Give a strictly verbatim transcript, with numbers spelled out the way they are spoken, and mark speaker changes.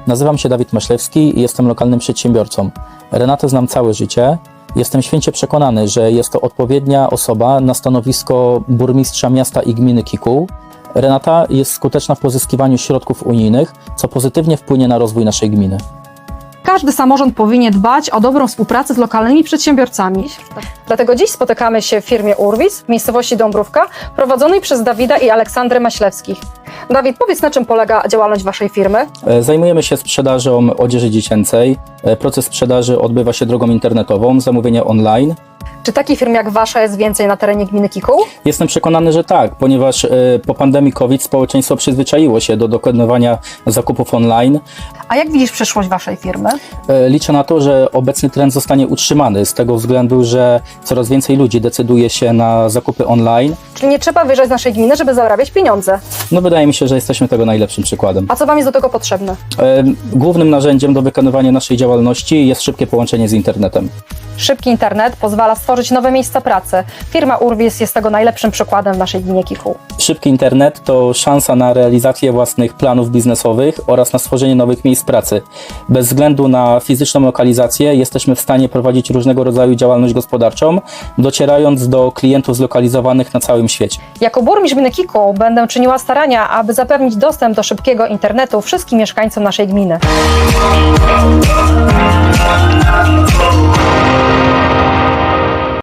Speaker 1: Nazywam się Dawid Maślewski i jestem lokalnym przedsiębiorcą. Renatę znam całe życie. Jestem święcie przekonany, że jest to odpowiednia osoba na stanowisko burmistrza miasta i gminy Kikuł. Renata jest skuteczna w pozyskiwaniu środków unijnych, co pozytywnie wpłynie na rozwój naszej gminy.
Speaker 2: Każdy samorząd powinien dbać o dobrą współpracę z lokalnymi przedsiębiorcami.
Speaker 3: Dlatego dziś spotykamy się w firmie Urwis w miejscowości Dąbrówka, prowadzonej przez Dawida i Aleksandrę Maślewskich. Dawid, powiedz, na czym polega działalność waszej firmy?
Speaker 1: Zajmujemy się sprzedażą odzieży dziecięcej. Proces sprzedaży odbywa się drogą internetową, zamówienie online.
Speaker 3: Czy takich firm jak wasza jest więcej na terenie gminy Kikuł?
Speaker 1: Jestem przekonany, że tak, ponieważ e, po pandemii COVID społeczeństwo przyzwyczaiło się do dokonywania zakupów online.
Speaker 2: A jak widzisz przyszłość waszej firmy?
Speaker 1: E, liczę na to, że obecny trend zostanie utrzymany z tego względu, że coraz więcej ludzi decyduje się na zakupy online.
Speaker 3: Czyli nie trzeba wyjeżdżać z naszej gminy, żeby zarabiać pieniądze.
Speaker 1: No wydaje mi się, że jesteśmy tego najlepszym przykładem.
Speaker 3: A co wam jest do tego potrzebne?
Speaker 1: E, głównym narzędziem do wykonywania naszej działalności jest szybkie połączenie z internetem.
Speaker 3: Szybki internet pozwala stworzyć nowe miejsca pracy. Firma Urwis jest tego najlepszym przykładem w naszej gminie Kikuł.
Speaker 1: Szybki internet to szansa na realizację własnych planów biznesowych oraz na stworzenie nowych miejsc pracy. Bez względu na fizyczną lokalizację jesteśmy w stanie prowadzić różnego rodzaju działalność gospodarczą, docierając do klientów zlokalizowanych na całym świecie.
Speaker 3: Jako burmistrz gminy Kikuł będę czyniła starania, aby zapewnić dostęp do szybkiego internetu wszystkim mieszkańcom naszej gminy.